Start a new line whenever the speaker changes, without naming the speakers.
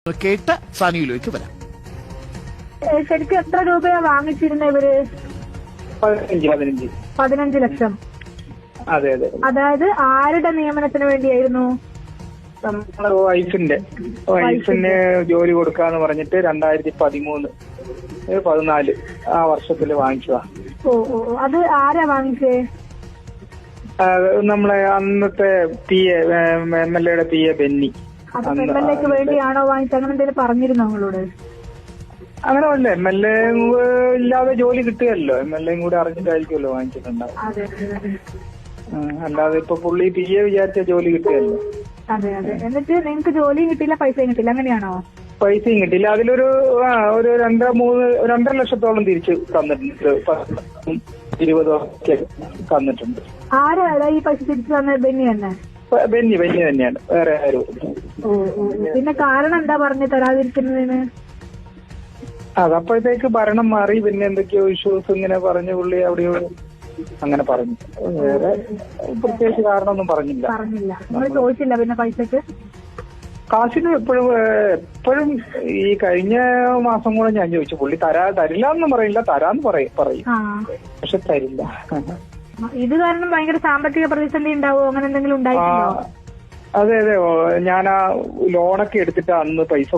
കേട്ട് സാനിയിലേക്ക് വരാം.
ശരിക്കും എത്ര രൂപയാ വാങ്ങിച്ചിരുന്ന ഇവര്? 15 ലക്ഷം.
അതെ അതെ.
അതായത് ആരുടെ നിയമനത്തിന് വേണ്ടിയായിരുന്നു?
നമ്മളെ വൈഫിന് ജോലി കൊടുക്കാന്ന് പറഞ്ഞിട്ട് 2013-14 ആ വർഷത്തില് വാങ്ങിച്ചതാ.
ഓ ഓ, അത് ആരാ വാങ്ങിച്ചേ?
നമ്മളെ അന്നത്തെ MLA ബെന്നി.
അത് MLA വേണ്ടിയാണോ വാങ്ങിച്ചത്? അങ്ങനെ എന്തെങ്കിലും പറഞ്ഞിരുന്നോ നിങ്ങളോട്?
അങ്ങനെ അല്ല, MLA ഇല്ലാതെ ജോലി കിട്ടുകയല്ലോ, MLA കൂടെ അറിഞ്ഞിട്ടായിരിക്കുമല്ലോ വാങ്ങിച്ചിട്ടുണ്ടാവും. അല്ലാതെ ഇപ്പൊ പുള്ളി വിചാരിച്ച ജോലി കിട്ടുകയല്ലോ.
അതെ അതെ. എന്നിട്ട് നിങ്ങൾക്ക് ജോലിയും കിട്ടില്ല, പൈസയും കിട്ടില്ല, അങ്ങനെയാണോ?
പൈസയും കിട്ടില്ല. അതിലൊരു ഒരു 2.5 ലക്ഷത്തോളം തിരിച്ച് തന്നിട്ടുണ്ട്. 20 ഒക്കെ തന്നിട്ടുണ്ട്.
ആരാ ഈ പൈസ തിരിച്ചു തന്നത്? ബെന്നി തന്നെ?
ബെന്നി തന്നെയാണ്, വേറെ ആരും.
ഓ ഓ. പിന്നെ കാരണം എന്താ പറഞ്ഞു തരാതിരിക്കുന്നതിന്?
അതപ്പോഴത്തേക്ക് ഭരണം മാറി, പിന്നെ എന്തൊക്കെയോ ഇഷ്യൂസ് ഇങ്ങനെ പറഞ്ഞു പുള്ളി അവിടെയോ അങ്ങനെ പറഞ്ഞു. വേറെ പ്രത്യേകിച്ച് കാരണമൊന്നും പറഞ്ഞില്ല.
നിങ്ങൾ ചോദിച്ചില്ല പിന്നെ പൈസക്ക്?
കാശിന് എപ്പോഴും ഈ കഴിഞ്ഞ മാസം കൂടെ ഞാൻ ചോദിച്ചു. പുള്ളി തരില്ല എന്നും പറയില്ല, തരാന്ന് പറയും, പക്ഷെ തരില്ല.
ഇത് കാരണം ഭയങ്കര സാമ്പത്തിക പ്രതിസന്ധി ഉണ്ടാവോ, അങ്ങനെ എന്തെങ്കിലും ഉണ്ടായിട്ടുണ്ടോ?
അതെ അതെ. ഞാൻ ആ ലോണൊക്കെ എടുത്തിട്ട് അന്ന് പൈസ